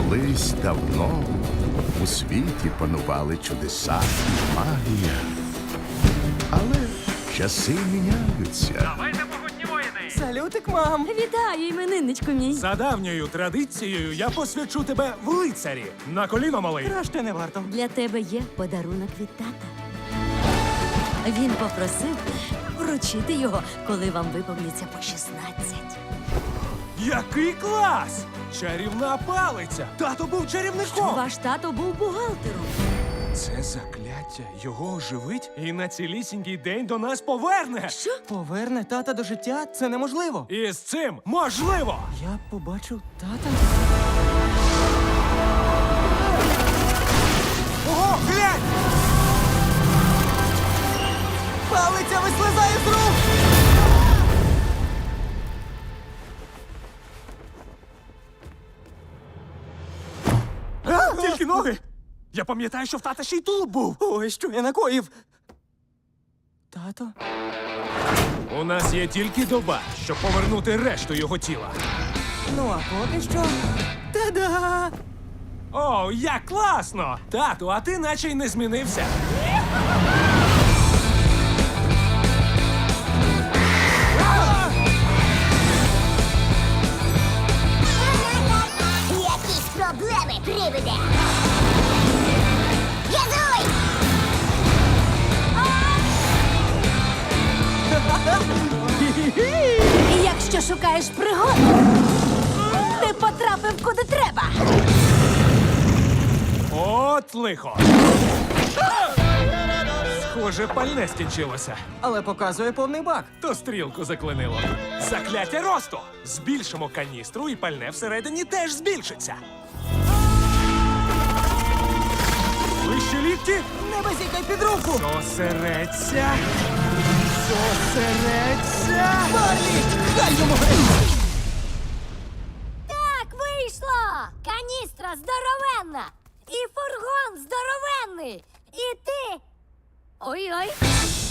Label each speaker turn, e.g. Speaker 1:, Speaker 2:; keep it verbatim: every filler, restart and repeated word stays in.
Speaker 1: Колись давно у світі панували чудеса і магія. Але часи міняються.
Speaker 2: Давайте погутні воїни!
Speaker 3: Салютик, мам!
Speaker 4: Вітаю, іменинничку мій.
Speaker 2: За давньою традицією я посвячу тебе в лицарі. На коліно, малий.
Speaker 3: Краще не варто.
Speaker 4: Для тебе є подарунок від тата. Він попросив вручити його, коли вам виповниться по шістнадцять.
Speaker 2: Який клас! Чарівна палиця! Тато був чарівником!
Speaker 4: Ваш тато був бухгалтером.
Speaker 2: Це закляття його оживить і на цілісінький день до нас поверне!
Speaker 4: Що?
Speaker 3: Поверне тата до життя? Це неможливо.
Speaker 2: І з цим можливо!
Speaker 3: Я побачив тата.
Speaker 2: Ого, глянь!
Speaker 3: Палиця вислизає з рук!
Speaker 2: А, тільки ноги! Я пам'ятаю, що в тата ще й тулуб був!
Speaker 3: Ой, що я накоїв? Тато?
Speaker 2: У нас є тільки доба, щоб повернути решту його тіла.
Speaker 3: Ну, а поки що... Та-да!
Speaker 2: О, як класно! Тату, а ти наче й не змінився.
Speaker 5: Якісь проблеми привиде. Газуй!
Speaker 4: І якщо шукаєш пригод, ти потрапив куди треба.
Speaker 2: От лихо. Схоже, пальне скінчилося.
Speaker 3: Але показує повний бак.
Speaker 2: То стрілку заклинило. Закляття росту! Збільшимо каністру, і пальне всередині теж збільшиться. Вище лікті.
Speaker 3: Не базікай під руку!
Speaker 2: Зосередься. Зосередься.
Speaker 3: Барлі! Дай йому геть!
Speaker 5: Так, вийшло! Каністра здоровенна! І фургон здоровенний! І ти... Ой-ой!